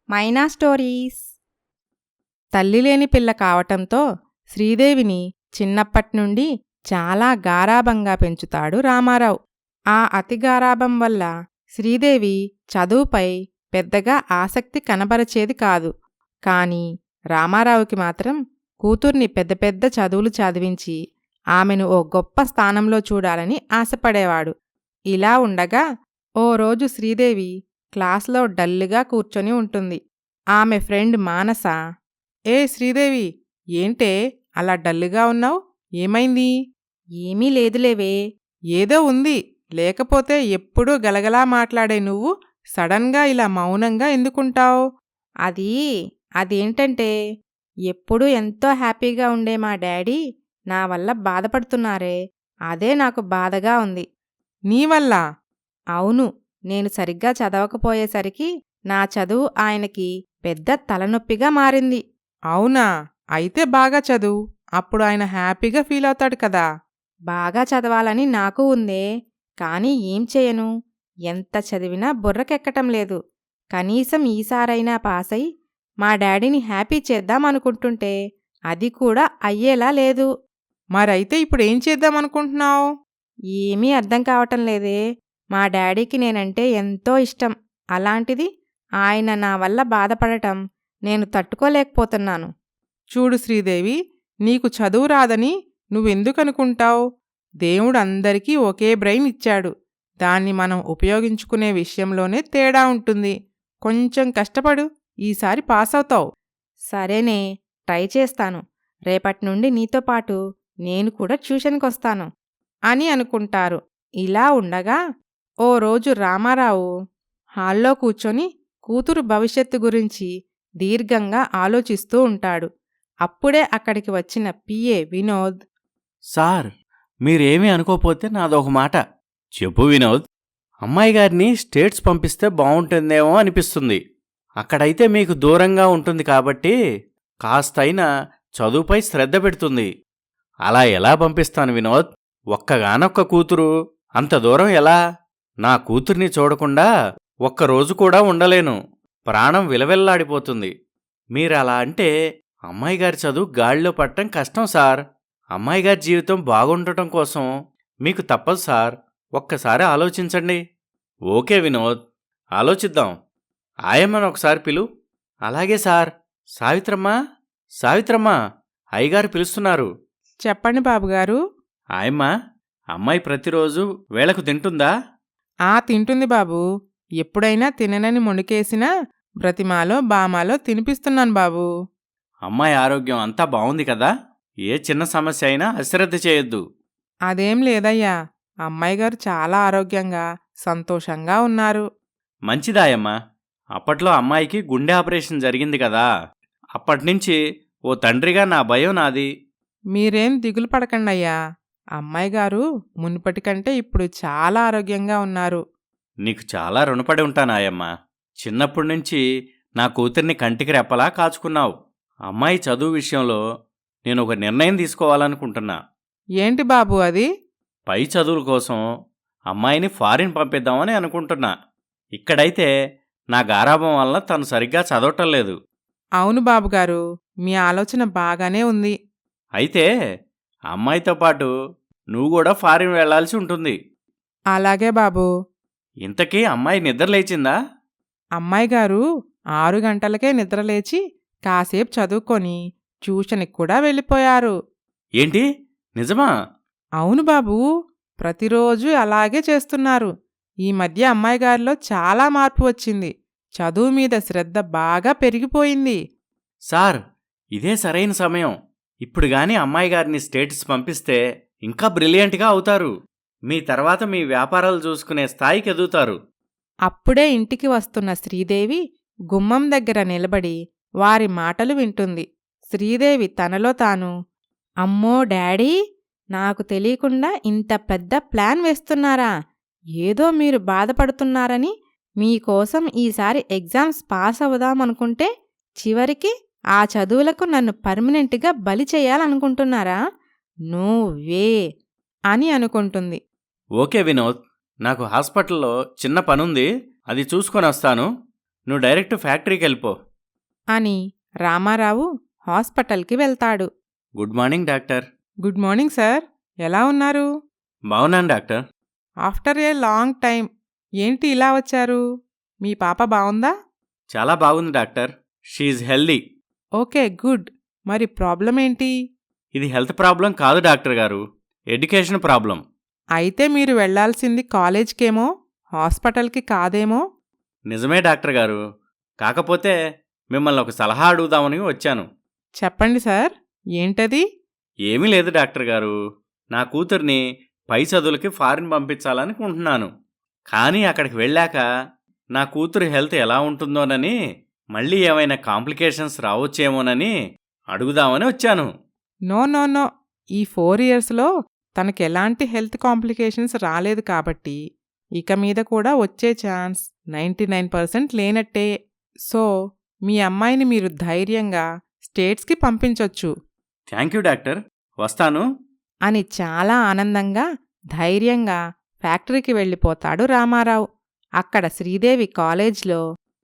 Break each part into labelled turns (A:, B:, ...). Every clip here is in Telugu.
A: మైనా స్టోరీస్. తల్లిలేని పిల్ల కావటంతో శ్రీదేవిని చిన్నప్పట్నుండి చాలా గారాబంగా పెంచుతాడు రామారావు. ఆ అతి గారాబం వల్ల శ్రీదేవి చదువుపై పెద్దగా ఆసక్తి కనబరచేది కాదు. కాని రామారావుకి మాత్రం కూతుర్ని పెద్ద పెద్ద చదువులు చదివించి ఆమెను ఓ గొప్ప స్థానంలో చూడాలని ఆశపడేవాడు. ఇలా ఉండగా ఓ రోజు శ్రీదేవి క్లాస్లో డల్లుగా కూర్చొని ఉంటుంది. ఆమె ఫ్రెండ్ మానస, ఏ శ్రీదేవి, ఏంటే అలా డల్లుగా ఉన్నావ్? ఏమైంది? ఏమీ లేదులేవే. ఏదో ఉంది, లేకపోతే ఎప్పుడూ గలగలా మాట్లాడే నువ్వు సడన్గా ఇలా మౌనంగా ఎందుకుంటావ్? అదేంటంటే ఎప్పుడూ ఎంతో హ్యాపీగా ఉండే మా డాడీ నా వల్ల బాధపడుతున్నారే, అదే నాకు బాధగా ఉంది. నీ వల్ల? అవును, నేను సరిగ్గా చదవకపోయేసరికి నా చదువు ఆయనకి పెద్ద తలనొప్పిగా మారింది. అవునా? అయితే బాగా చదువు, అప్పుడు ఆయన హ్యాపీగా ఫీల్ అవుతాడు కదా. బాగా చదవాలని నాకు ఉందే, కానీ ఏం చేయను, ఎంత చదివినా బుర్రకెక్కటం లేదు. కనీసం ఈసారైనా పాసై మా డాడీని హ్యాపీ చేద్దామనుకుంటుంటే అది కూడా అయ్యేలా లేదు. మరైతే ఇప్పుడేం చేద్దామనుకుంటున్నావు? ఏమీ అర్థం కావటం లేదే. మా డాడీకి నేనంటే ఎంతో ఇష్టం. అలాంటిది ఆయన నా వల్ల బాధపడటం నేను తట్టుకోలేకపోతున్నాను. చూడు శ్రీదేవి, నీకు చదువు రాదని నువ్వెందుకనుకుంటావు? దేవుడు అందరికీ ఒకే బ్రెయిన్ ఇచ్చాడు. దాన్ని మనం ఉపయోగించుకునే విషయంలోనే తేడా ఉంటుంది. కొంచెం కష్టపడు, ఈసారి పాస్ అవుతావు. సరేనే, ట్రై చేస్తాను. రేపట్నుండి నీతో పాటు నేను కూడా ట్యూషన్కొస్తాను అని అనుకుంటారు. ఇలా ఉండగా ఓ రోజు రామారావు హాల్లో కూర్చొని కూతురు భవిష్యత్తు గురించి దీర్ఘంగా ఆలోచిస్తూ ఉంటాడు. అప్పుడే అక్కడికి వచ్చిన పిఏ వినోద్,
B: సార్, మీరేమీ అనుకోపోతే నాదొక మాట. చెప్పు వినోద్. అమ్మాయి గారిని స్టేట్స్ పంపిస్తే బావుంటుందేమో అనిపిస్తుంది. అక్కడైతే మీకు దూరంగా ఉంటుంది కాబట్టి కాస్తైనా చదువుపై శ్రద్ధ పెడుతుంది. అలా ఎలా పంపిస్తాను వినోద్? ఒక్కగానొక్క కూతురు, అంత దూరం ఎలా? నా కూతుర్ని చూడకుండా ఒక్కరోజు కూడా ఉండలేను. ప్రాణం విలవెల్లాడిపోతుంది. మీరలా అంటే అమ్మాయిగారి చదువు గాడిలో పట్టడం కష్టం సార్. అమ్మాయిగారి జీవితం బాగుండటం కోసం మీకు తప్పదు సార్. ఒక్కసారి ఆలోచించండి. ఓకే వినోద్, ఆలోచిద్దాం. ఆయమ్మను ఒకసారి పిలు. అలాగే సార్. సావిత్రమ్మా, సావిత్రమ్మా, అయ్యగారు పిలుస్తున్నారు.
A: చెప్పండి బాబుగారు.
B: ఆయమ్మ, అమ్మాయి ప్రతిరోజు వేళకు తింటుందా?
A: తింటుంది బాబూ. ఎప్పుడైనా తిననని మొండికేసినా బ్రతిమాలో బామాలో తినిపిస్తున్నాను బాబూ.
B: అమ్మాయి ఆరోగ్యం అంతా బావుంది కదా? ఏ చిన్న సమస్య అయినా అశ్రద్ధ చేయొద్దు.
A: అదేం లేదయ్యా, అమ్మాయిగారు చాలా ఆరోగ్యంగా సంతోషంగా ఉన్నారు.
B: మంచిదాయమ్మా. అప్పట్లో అమ్మాయికి గుండె ఆపరేషన్ జరిగింది కదా, అప్పట్నుంచి ఓ తండ్రిగా నా భయం నాది.
A: మీరేం దిగులు పడకండయ్యా, అమ్మాయిగారు మునుపటి కంటే ఇప్పుడు చాలా ఆరోగ్యంగా ఉన్నారు.
B: నీకు చాలా రుణపడి ఉంటానాయమ్మా. చిన్నప్పటినుంచి నా కూతుర్ని కంటికి రెప్పలా కాచుకున్నావు. అమ్మాయి చదువు విషయంలో నేను ఒక నిర్ణయం తీసుకోవాలనుకుంటున్నా.
A: ఏంటి బాబూ అది?
B: పై చదువుల కోసం అమ్మాయిని ఫారిన్ పంపిద్దామని అనుకుంటున్నా. ఇక్కడైతే నా గారాబం వల్ల తను సరిగ్గా చదవటం లేదు.
A: అవును బాబుగారు, మీ ఆలోచన బాగానే ఉంది.
B: అయితే అమ్మాయితో పాటు నువ్వు కూడా ఫారిన్ వెళ్లాల్సి ఉంటుంది.
A: అలాగే బాబూ.
B: ఇంతకీ అమ్మాయి నిద్రలేచిందా?
A: అమ్మాయిగారు 6 గంటలకే నిద్రలేచి కాసేపు చదువుకొని ట్యూషన్కి కూడా వెళ్ళిపోయారు.
B: ఏంటి, నిజమా?
A: అవును బాబూ, ప్రతిరోజు అలాగే చేస్తున్నారు. ఈ మధ్య అమ్మాయిగారిలో చాలా మార్పు వచ్చింది. చదువు మీద శ్రద్ధ బాగా పెరిగిపోయింది.
B: సార్, ఇదే సరైన సమయం. ఇప్పుడు గాని అమ్మాయి గారిని స్టేట్స్ పంపిస్తే ఇంకా బ్రిలియంట్గా అవుతారు. మీ తర్వాత మీ వ్యాపారాలు చూసుకునే స్థాయికి ఎదుగుతారు.
A: అప్పుడే ఇంటికి వస్తున్న శ్రీదేవి గుమ్మం దగ్గర నిలబడి వారి మాటలు వింటుంది. శ్రీదేవి తనలో తాను, అమ్మో డాడీ, నాకు తెలియకుండా ఇంత పెద్ద ప్లాన్ వేస్తున్నారా? ఏదో మీరు బాధపడుతున్నారని మీకోసం ఈసారి ఎగ్జామ్స్ పాస్ అవుదామనుకుంటే చివరికి ఆ చదువులకు నన్ను పర్మనెంట్గా బలి చేయాలనుకుంటున్నారా? నో వే అని అనుకుంటుంది.
B: ఓకే వినోద్, నాకు హాస్పిటల్లో చిన్న పనుంది, అది చూసుకొని వస్తాను. నువ్వు డైరెక్ట్ ఫ్యాక్టరీకి వెళ్ళిపో.
A: అని రామారావు హాస్పిటల్కి వెళ్తాడు.
B: Good morning doctor.
C: Good morning sir. ఎలా ఉన్నారు?
B: బాగున్నాను doctor.
C: After a long time. ఏంటి ఇలా వచ్చారు? మీ పాప బావుందా?
B: చాలా బాగుంది doctor. She healthy.
C: Okay, good. మరి ప్రాబ్లం ఏంటి?
B: ఇది హెల్త్ ప్రాబ్లం కాదు డాక్టర్ గారు, ఎడ్యుకేషన్ ప్రాబ్లం.
C: అయితే మీరు వెళ్లాల్సింది కాలేజ్కేమో, హాస్పిటల్కి కాదేమో.
B: నిజమే డాక్టర్ గారు, కాకపోతే మిమ్మల్ని ఒక సలహా అడుగుదామని వచ్చాను.
C: చెప్పండి సార్. ఏంటది?
B: ఏమీ లేదు డాక్టర్ గారు, నా కూతుర్ని పై చదువులకి ఫారిన్ పంపించాలనుకుంటున్నాను. కానీ అక్కడికి వెళ్ళాక నా కూతురు హెల్త్ ఎలా ఉంటుందోనని, మళ్ళీ ఏమైనా కాంప్లికేషన్స్ రావచ్చేమోనని అడుగుదామని వచ్చాను.
C: No no no. ఈ 4 ఇయర్స్లో తనకెలాంటి హెల్త్ కాంప్లికేషన్స్ రాలేదు కాబట్టి ఇక మీద కూడా వచ్చే ఛాన్స్ 99% లేనట్టే. సో మీ అమ్మాయిని మీరు ధైర్యంగా స్టేట్స్కి పంపించొచ్చు
B: థ్యాంక్ యూ డాక్టర్, వస్తాను.
A: అని చాలా ఆనందంగా ధైర్యంగా ఫ్యాక్టరీకి వెళ్ళిపోతాడు రామారావు. అక్కడ శ్రీదేవి కాలేజ్లో,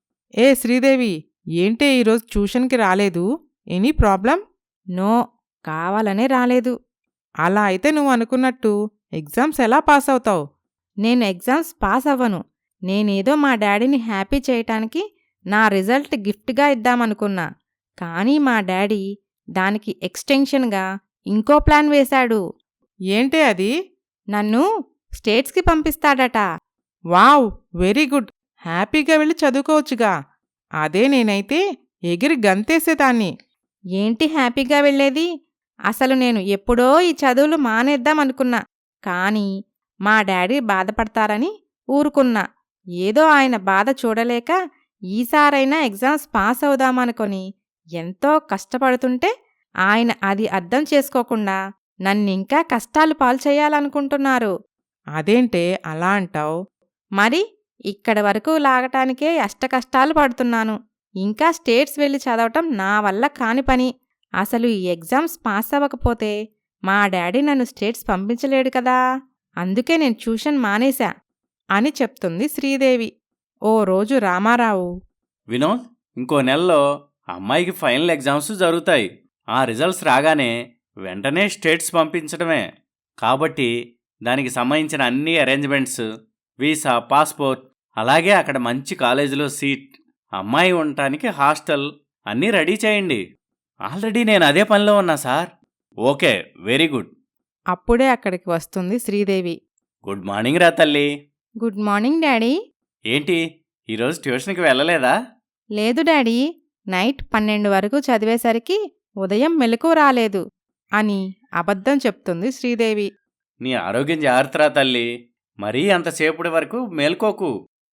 C: ఏ శ్రీదేవి, ఏంటే ఈరోజు ట్యూషన్కి రాలేదు? Any problem?
A: నో, కావాలనే రాలేదు.
C: అలా అయితే నువ్వు అనుకున్నట్టు ఎగ్జామ్స్ ఎలా పాస్ అవుతావు?
A: నేను ఎగ్జామ్స్ పాస్ అవ్వను. నేనేదో మా డాడీని హ్యాపీ చేయటానికి నా రిజల్ట్ గిఫ్ట్గా ఇద్దామనుకున్నా. కానీ మా డాడీ దానికి ఎక్స్టెన్షన్గా ఇంకో ప్లాన్ వేశాడు.
C: ఏంటే అది?
A: నన్ను స్టేట్స్కి పంపిస్తాడట.
C: Wow, very good. హ్యాపీగా వెళ్ళి చదువుకోవచ్చుగా. అదే నేనైతే ఎగిరి గంతేసేదాన్ని.
A: ఏంటి హ్యాపీగా వెళ్ళేది? అసలు నేను ఎప్పుడో ఈ చదువులు మానేద్దామనుకున్నా. కానీ మా డాడీ బాధపడతారని ఊరుకున్నా. ఏదో ఆయన బాధ చూడలేక ఈసారైనా ఎగ్జామ్స్ పాస్ అవుదామనుకొని ఎంతో కష్టపడుతుంటే ఆయన అది అర్థం చేసుకోకుండా నన్నింకా కష్టాలు పాల్చేయాలనుకుంటున్నారు.
C: అదేంటే అలా అంటావు?
A: మరి ఇక్కడి వరకు లాగటానికే అష్టకష్టాలు పడుతున్నాను. ఇంకా స్టేట్స్ వెళ్ళి చదవటం నా వల్ల కాని పని. అసలు ఈ ఎగ్జామ్స్ పాస్ అవ్వకపోతే మా డాడీ నన్ను స్టేట్స్ పంపించలేడు కదా. అందుకే నేను ట్యూషన్ మానేశా
C: అని చెప్తుంది శ్రీదేవి. ఓ రోజు రామారావు,
B: వినోద్, ఇంకో నెలలో అమ్మాయికి ఫైనల్ ఎగ్జామ్స్ జరుగుతాయి. ఆ రిజల్ట్స్ రాగానే వెంటనే స్టేట్స్ పంపించడమే. కాబట్టి దానికి సంబంధించిన అన్ని అరేంజ్మెంట్స్, వీసా, పాస్పోర్ట్, అలాగే అక్కడ మంచి కాలేజీలో సీట్, అమ్మాయి ఉండటానికి హాస్టల్ అన్నీ రెడీ చేయండి. ఆల్రెడీ నేను అదే పనిలో ఉన్నా సార్. Okay, very good.
A: అప్పుడే అక్కడికి వస్తుంది శ్రీదేవి.
B: గుడ్ మార్నింగ్ రా తల్లి.
A: Good morning daddy.
B: ఏంటి ఈరోజు ట్యూషన్కి వెళ్ళలేదా?
A: లేదు డాడీ, నైట్ 12 వరకు చదివేసరికి ఉదయం మెలకువ రాలేదు
C: అని అబద్ధం చెప్తుంది శ్రీదేవి.
B: నీ ఆరోగ్యం జాగ్రత్తరా తల్లి. మరీ అంతసేపటి వరకు మేల్కోకు.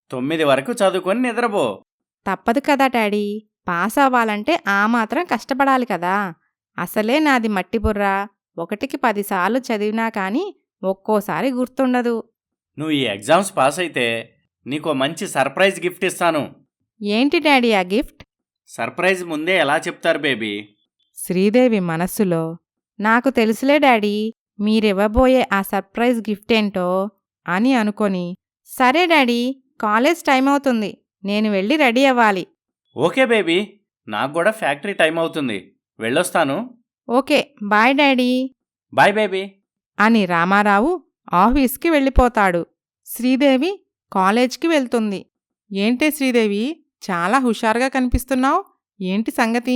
B: 9 వరకు చదువుకొని నిద్రపో.
A: తప్పదు కదా డాడీ, పాస్ అవ్వాలంటే ఆ మాత్రం కష్టపడాలి కదా. అసలే నాది మట్టిబుర్ర. 1కి 10 సార్లు చదివినా కానీ ఒక్కోసారి గుర్తుండదు.
B: నువ్వు ఈ ఎగ్జామ్స్ పాస్ అయితే నీకో మంచి సర్ప్రైజ్ గిఫ్ట్ ఇస్తాను.
A: ఏంటి డాడీ ఆ గిఫ్ట్?
B: సర్ప్రైజ్ ముందే ఎలా చెప్తారు బేబీ?
A: శ్రీదేవి మనస్సులో, నాకు తెలుసులే డాడీ మీరివ్వబోయే ఆ సర్ప్రైజ్ గిఫ్ట్ ఏంటో అని అనుకొని, సరే డాడీ, కాలేజ్ టైం అవుతుంది, నేను వెళ్ళి రెడీ అవ్వాలి.
B: ఓకే బేబీ, నాకు కూడా ఫ్యాక్టరీ టైం అవుతుంది, వెళ్ళొస్తాను.
A: Okay, bye daddy
B: bye baby
A: అని రామారావు ఆఫీస్కి వెళ్ళిపోతాడు.
C: శ్రీదేవి కాలేజ్కి వెళ్తుంది. ఏంటే శ్రీదేవి, చాలా హుషారుగా కనిపిస్తున్నావు. ఏంటి సంగతి?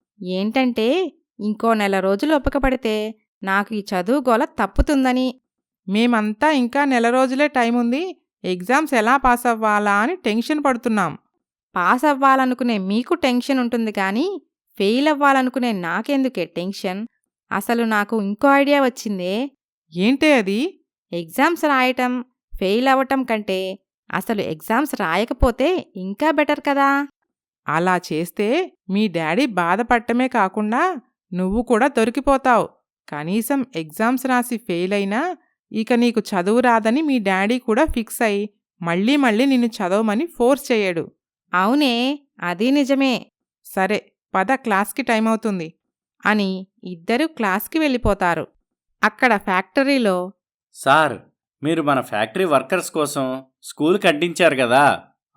A: ఏంటంటే ఇంకో నెల రోజులు ఓపిక పడితే నాకు ఈ చదువు గోల తప్పుతుందని.
C: మేమంతా ఇంకా నెల రోజులే టైం ఉంది, ఎగ్జామ్స్ ఎలా పాస్ అవ్వాలా అని టెన్షన్ పడుతున్నాం.
A: పాస్ అవ్వాలనుకునే మీకు టెన్షన్ ఉంటుంది కానీ ఫెయిల్ అవ్వాలనుకునే నాకెందుకే టెన్షన్? అసలు నాకు ఇంకో ఐడియా వచ్చిందే.
C: ఏంటే అది?
A: ఎగ్జామ్స్ రాయటం ఫెయిల్ అవ్వటం కంటే అసలు ఎగ్జామ్స్ రాయకపోతే ఇంకా బెటర్ కదా.
C: అలా చేస్తే మీ డాడీ బాధపడటమే కాకుండా నువ్వు కూడా దొరికిపోతావు. కనీసం ఎగ్జామ్స్ రాసి ఫెయిల్ అయినా ఇక నీకు చదువు రాదని మీ డాడీ కూడా ఫిక్స్ అయి మళ్ళీ మళ్ళీ నిన్ను చదవమని ఫోర్స్ చేయడు.
A: అవునే, అది నిజమే.
C: సరే పద, క్లాస్కి టైం అవుతుంది
A: అని ఇద్దరూ క్లాస్కి వెళ్ళిపోతారు. అక్కడ ఫ్యాక్టరీలో,
B: సార్, మీరు మన ఫ్యాక్టరీ వర్కర్స్ కోసం స్కూల్ కట్టించారు కదా,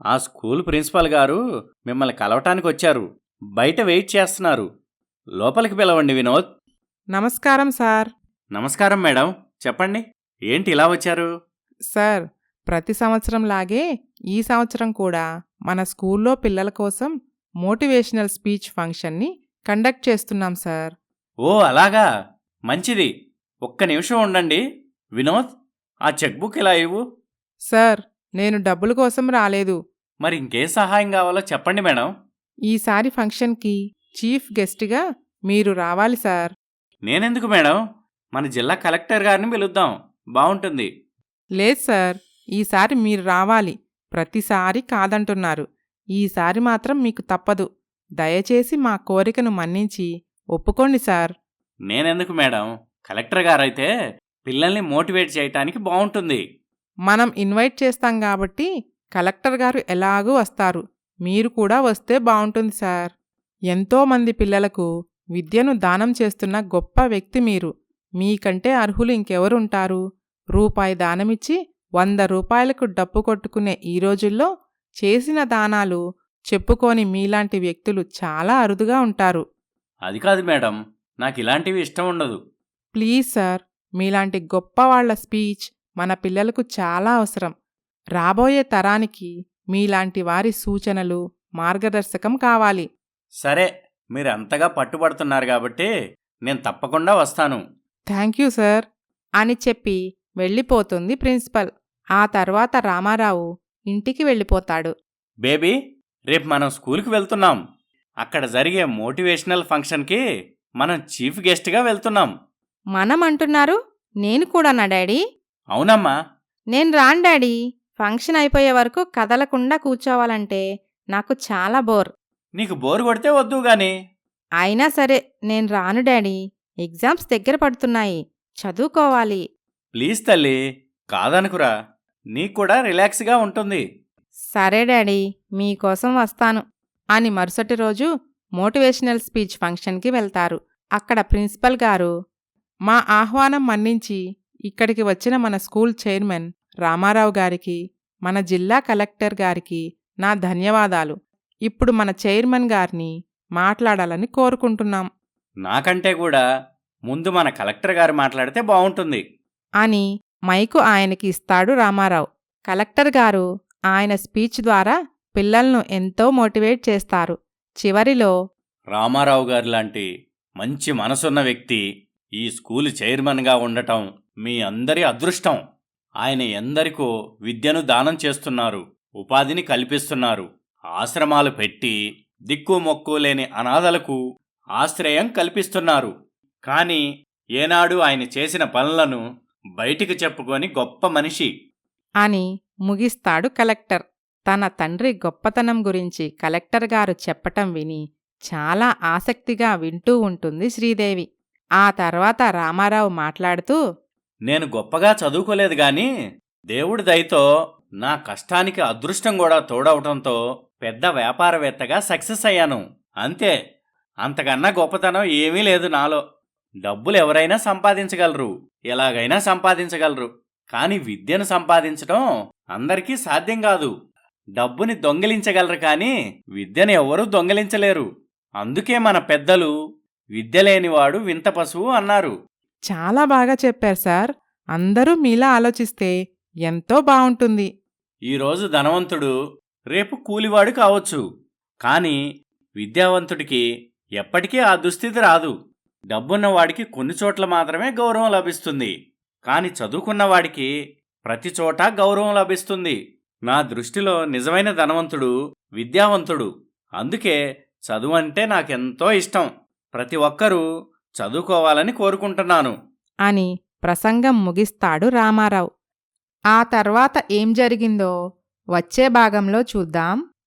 B: ఆ స్కూల్ ప్రిన్సిపాల్ గారు మిమ్మల్ని కలవటానికి వచ్చారు. బయట వెయిట్ చేస్తున్నారు. లోపలికి పిలవండి వినోద్.
C: నమస్కారం సార్.
B: నమస్కారం మేడం. చెప్పండి, ఏంటి ఇలా వచ్చారు?
C: సార్, ప్రతి సంవత్సరం లాగే ఈ సంవత్సరం కూడా మన స్కూల్లో పిల్లల కోసం మోటివేషనల్ స్పీచ్ ఫంక్షన్ని కండక్ట్ చేస్తున్నాం సార్.
B: ఓ అలాగా, మంచిది. ఒక్క నిమిషం ఉండండి. వినోద్, ఆ చెక్ బుక్ ఇలా ఇవ్వు.
C: సార్, నేను డబ్బుల కోసం రాలేదు.
B: మరి ఇంకేం సహాయం కావాలో చెప్పండి మేడం.
C: ఈసారి ఫంక్షన్కి చీఫ్ గెస్ట్గా మీరు రావాలి సార్.
B: నేనెందుకు మేడం? మన జిల్లా కలెక్టర్ గారిని పిలుద్దాం, బావుంటుంది.
C: లేదు సార్, ఈసారి మీరు రావాలి. ప్రతిసారి కాదంటున్నారు. ఈసారి మాత్రం మీకు తప్పదు. దయచేసి మా కోరికను మన్నించి ఒప్పుకోండి సార్.
B: నేనెందుకు మేడం? కలెక్టర్ గారైతే పిల్లల్ని మోటివేట్ చేయటానికి బావుంటుంది.
C: మనం ఇన్వైట్ చేస్తాం కాబట్టి కలెక్టర్ గారు ఎలాగూ వస్తారు. మీరు కూడా వస్తే బావుంటుంది సార్. ఎంతోమంది పిల్లలకు విద్యను దానం చేస్తున్న గొప్ప వ్యక్తి మీరు. మీకంటే అర్హులు ఇంకెవరుంటారు? రూపాయి దానమిచ్చి 100 రూపాయలకు డప్పు కొట్టుకునే ఈ రోజుల్లో చేసిన దానాలు చెప్పుకోని మీలాంటి వ్యక్తులు చాలా అరుదుగా ఉంటారు.
B: అది కాదు మేడం, నాకిలాంటివి ఇష్టం ఉండదు.
C: ప్లీజ్ సార్, మీలాంటి గొప్పవాళ్ల స్పీచ్ మన పిల్లలకు చాలా అవసరం. రాబోయే తరానికి మీలాంటి వారి సూచనలు, మార్గదర్శకం కావాలి.
B: సరే, మీరు అంతగా పట్టుబడుతున్నారు కాబట్టి నేను తప్పకుండా వస్తాను.
C: థ్యాంక్ యూ సార్
A: అని చెప్పి వెళ్ళిపోతుంది ప్రిన్సిపల్. ఆ తర్వాత రామారావు ఇంటికి వెళ్ళిపోతాడు.
B: బేబీ, రేపు మనం స్కూల్కి వెళ్తున్నాం. అక్కడ జరిగే మోటివేషనల్ ఫంక్షన్కి మనం చీఫ్ గెస్ట్గా వెళ్తున్నాం.
A: మనం అంటున్నారు? నేను కూడానా డాడీ?
B: అవునమ్మా.
A: నేను రాను డాడీ. ఫంక్షన్ అయిపోయే వరకు కదలకుండా కూర్చోవాలంటే నాకు చాలా బోర్.
B: నీకు బోరు కొడితే వద్దు గాని.
A: అయినా సరే నేను రాను డాడీ. ఎగ్జామ్స్ దగ్గర పడుతున్నాయి, చదువుకోవాలి.
B: ప్లీజ్ తల్లి, కాదనుకురా. నీకు కూడా రిలాక్స్గా ఉంటుంది.
A: సరే డాడీ, మీకోసం వస్తాను అని మరుసటి రోజు మోటివేషనల్ స్పీచ్ ఫంక్షన్కి వెళ్తారు. అక్కడ ప్రిన్సిపల్ గారు,
C: మా ఆహ్వానం మన్నించి ఇక్కడికి వచ్చిన మన స్కూల్ చైర్మన్ రామారావు గారికి, మన జిల్లా కలెక్టర్ గారికి నా ధన్యవాదాలు. ఇప్పుడు మన చైర్మన్ గారిని మాట్లాడాలని కోరుకుంటున్నాం
B: నాకంటే కూడా ముందు మన కలెక్టర్ గారు మాట్లాడితే బావుంటుంది
A: అని మైకు ఆయనకి ఇస్తాడు రామారావు. కలెక్టర్ గారు ఆయన స్పీచ్ ద్వారా పిల్లలను ఎంతో మోటివేట్ చేస్తారు. చివరిలో,
B: రామారావు గారు లాంటి మంచి మనసున్న వ్యక్తి ఈ స్కూలు చైర్మన్గా ఉండటం మీ అందరి అదృష్టం. ఆయన ఎందరికో విద్యను దానం చేస్తున్నారు, ఉపాధిని కల్పిస్తున్నారు. ఆశ్రమాలు పెట్టి దిక్కు మొక్కు లేని అనాథలకు ఆశ్రయం కల్పిస్తున్నారు. కానీ ఏనాడు ఆయన చేసిన పనులను బయటికి చెప్పుకొని గొప్ప మనిషి
A: అని ముగిస్తాడు కలెక్టర్. తన తండ్రి గొప్పతనం గురించి కలెక్టర్ గారు చెప్పటం విని చాలా ఆసక్తిగా వింటూ ఉంటుంది శ్రీదేవి. ఆ తర్వాత రామారావు మాట్లాడుతూ,
B: నేను గొప్పగా చదువుకోలేదు గాని దేవుడి దయతో నా కష్టానికి అదృష్టం కూడా తోడవటంతో పెద్ద వ్యాపారవేత్తగా సక్సెస్ అయ్యాను. అంతే, అంతకన్నా గొప్పతనం ఏమీ లేదు నాలో. డబ్బులు ఎవరైనా సంపాదించగలరు, ఎలాగైనా సంపాదించగలరు. కాని విద్యను సంపాదించటం అందరికీ సాధ్యం కాదు. డబ్బుని దొంగిలించగలరు కాని విద్యను ఎవ్వరూ దొంగిలించలేరు. అందుకే మన పెద్దలు విద్య లేనివాడు వింత పశువు అన్నారు.
C: చాలా బాగా చెప్పారు సార్. అందరూ మీలా ఆలోచిస్తే ఎంతో బావుంటుంది.
B: ఈరోజు ధనవంతుడు రేపు కూలివాడు కావచ్చు, కాని విద్యావంతుడికి ఎప్పటికీ ఆ దుస్థితి రాదు. డబ్బున్నవాడికి కొన్ని చోట్ల మాత్రమే గౌరవం లభిస్తుంది, కాని చదువుకున్నవాడికి ప్రతి చోటా గౌరవం లభిస్తుంది. నా దృష్టిలో నిజమైన ధనవంతుడు విద్యావంతుడు. అందుకే చదువంటే నాకెంతో ఇష్టం. ప్రతి ఒక్కరూ చదువుకోవాలని కోరుకుంటున్నాను
A: అని ప్రసంగం ముగిస్తాడు రామారావు. ఆ తర్వాత ఏం జరిగిందో వచ్చే భాగంలో చూద్దాం.